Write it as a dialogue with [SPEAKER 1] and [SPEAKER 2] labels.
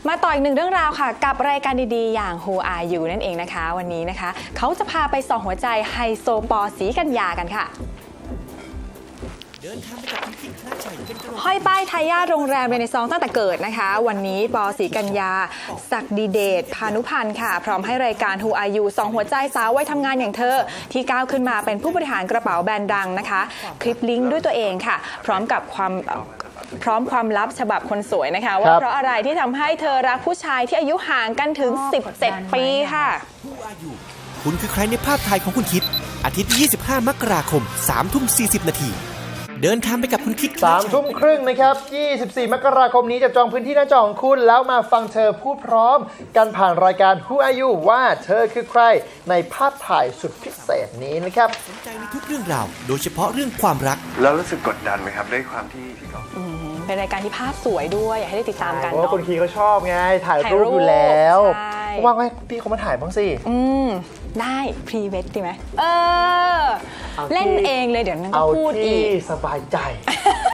[SPEAKER 1] มาต่ออีกหนึ่งเรื่องราวค่ะกับรายการดีๆอย่าง Who Are You นั่นเองนะคะวันนี้นะคะเขาจะพาไปส่องหัวใจไฮโซปอศรีกัญญากันค่ะห้อยป้ายทายาทโรงแรมเรเนซองส์ตั้งแต่เกิดนะคะวันนี้ปอศรีกัญญาศักดิเดชพานุพันธ์ค่ะพร้อมให้รายการ Who Are You ส่องหัวใจสาววัยทำงานอย่างเธอที่ก้าวขึ้นมาเป็นผู้บริหารกระเป๋าแบรนด์ดังนะคะคลิปลิงก์ด้วยตัวเองค่ะพร้อมความลับฉบับคนสวยนะคะว่าเพราะอะไรที่ทำให้เธอรักผู้ชายที่อายุห่างกันถึง17 ปีค่ะ
[SPEAKER 2] คุณคือใครในภาพถ่ายของคุณคิดอาทิตย์ที่25 มกราคม 3:40 นาทีเดินทางไปกับคุณคิด
[SPEAKER 3] 3 ทุ่มครึ่งนะครับ24 มกราคมนี้จะจองพื้นที่หน้าจอของคุณแล้วมาฟังเธอพูดพร้อมกันผ่านรายการ Who Are You ว่าเธอคือใครในภาพถ่ายสุดพิเศษนี้นะครับ
[SPEAKER 2] สนใจในทุกเรื่องราวโดยเฉพาะเรื่องความรัก
[SPEAKER 4] แล้วรู้สึกกดดันไหมครับด้วยความที่เขา
[SPEAKER 1] เป็นรายการที่ภาพสวยด้วยอยากให้ได้ติดตามกัน
[SPEAKER 3] เพราะคนคีเขาชอบไงถ่ายรูปอยู่แล้วว่างไหมพี่เขามาถ่ายบ้างสิ
[SPEAKER 1] ได้พรีเวดดีไหมเล่นเองเลยเดี๋ยวนั้นก็พูดอีก
[SPEAKER 3] เอาที่สบายใจ